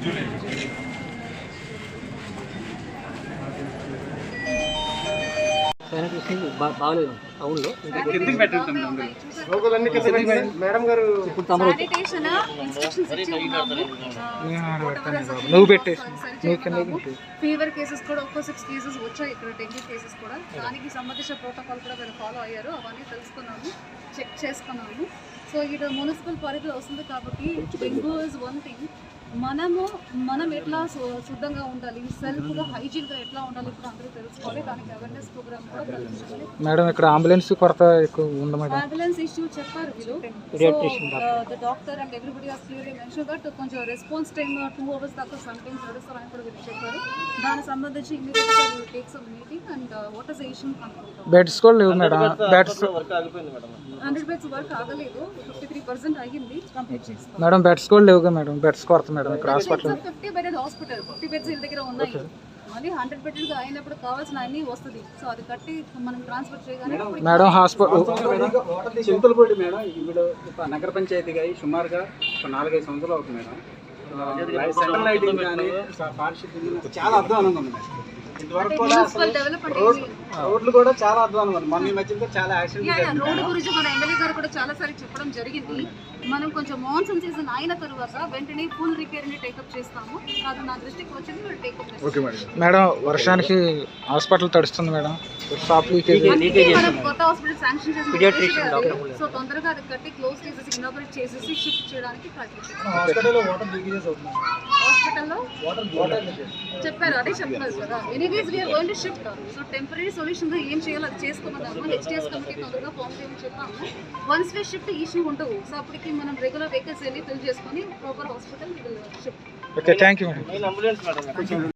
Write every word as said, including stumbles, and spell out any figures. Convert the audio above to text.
బాగలేదు టౌన్లో నువ్వు పెట్టేసి ఫీవర్ కేసెస్ కూడా ఒక్కో సిక్స్ కేసెస్ వచ్చాయి ఇక్కడ, డెంగ్యూ కేసెస్ కూడా. దానికి సంబంధించిన ప్రోటోకాల్ కూడా మీరు ఫాలో అయ్యారు, అవన్నీ తెలుసుకున్నాము, చెక్ చేసుకున్నాము. సో ఇది మున్సిపల్ పరిధిలో వస్తుంది కాబట్టి డెంగ్యూ ఇస్ వన్ థింగ్. మనము మనం ఎట్లా శుద్ధంగా ఉండాలి, సెల్ఫ్గా హైజీన్గా ఎట్లా ఉండాలి ఇప్పుడు అందరూ తెలుసుకోవాలి. దానికి అవేర్నెస్ ప్రోగ్రామ్ కూడా కలిగించాలి. మేడం ఇక్కడ అంబులెన్స్ కొరత ఎక్కువ ఉంది మేడం. అంబులెన్స్ ఇష్యూ చెప్పారు వీళ్ళు. The doctor and everybody has clearly mention that కొంచెం రెస్పాన్స్ టైమ్ టూ అవర్స్ దాకా సమ్ టైమ్స్ నడుస్తారు అని కూడా వీళ్ళు చెప్పారు. దానికి సంబంధించి ఇమీడియట్గా will take some meeting and what is the issue control. Beds కూడా లేవు madam. Beds hundred beds work ఆగలేదు, ఫిఫ్టీ త్రీ పర్సెంట్ అయ్యింది, కంప్లీట్ చేస్తాం మేడం. బెడ్స్ కూడా లేవుగా మేడం. బెడ్స్ కొరత మేడం ఇక్కడ hospital. Fifty bedded hospital, fifty beds వీళ్ళ దగ్గర ఉన్నాయి. మళ్ళీ హండ్రెడ్ బెడ్గా అయినప్పుడు కావాల్సిన అన్ని వస్తుంది. సో అది కట్టి మనం ట్రాన్స్ఫర్ చేయగానే మేడం హాస్పిటల్ చింతలపూడి మేడం ఇప్పుడు నగర పంచాయతీగా సుమారుగా నాలుగైదు సంవత్సరాలు అవుతుంది మేడం. సెంట్రల్ లైటింగ్ కానీ పారిశుద్ధ్యం చాలా అధ్వానంగా ఉంది మేడం. ఇంతవరకు కూడా రోడ్లు కూడా చాలా అధ్వానం ఉంది. మొన్న ఈ మధ్య చాలా యాక్సిడెంట్. రోడ్డు గురించి మన ఎమ్మెల్యే గారు కూడా చాలా సార్లు చెప్పడం జరిగింది. మనం కొంచెం మాన్సూన్ సీజన్ అయిన తర్వాత వెంటనే ఫుల్ రిపేర్ ని టేకప్ చేస్తాము. అది నా దృష్టికి వచ్చింది, టేకప్ చేస్తాము. మేడం వర్షానికి హాస్పిటల్ తడుస్తుంది మేడం. షాప్ లీకేజ్ కొత్త హాస్పిటల్ శాంక్షన్ చేసి సో తొందరగా అది కట్టి క్లోజ్ చేసేసి ఇనాగరేట్ చేసేసి షిఫ్ట్ చేయడానికి ప్రయత్నిస్తాం. హాస్పిటల్లో చెప్పారు, అదే చెప్పారు కదా. Anyways we are going to shift. So temporary solution గా ఏం చేయాలో అది చేసుకోమన్నాము. నెక్స్ట్ ఇయర్స్ కమిటీ తొందరగా ఫామ్ చేయమని చెప్పాము. వన్స్ వే షిఫ్ట్ ఇష్యూ ఉండవు. సో అప్పటికి మనం రెగ్యులర్ వెహికల్స్ వెళ్ళి ఫిల్ చేసుకొని proper hospital shift. Okay, thank you madam.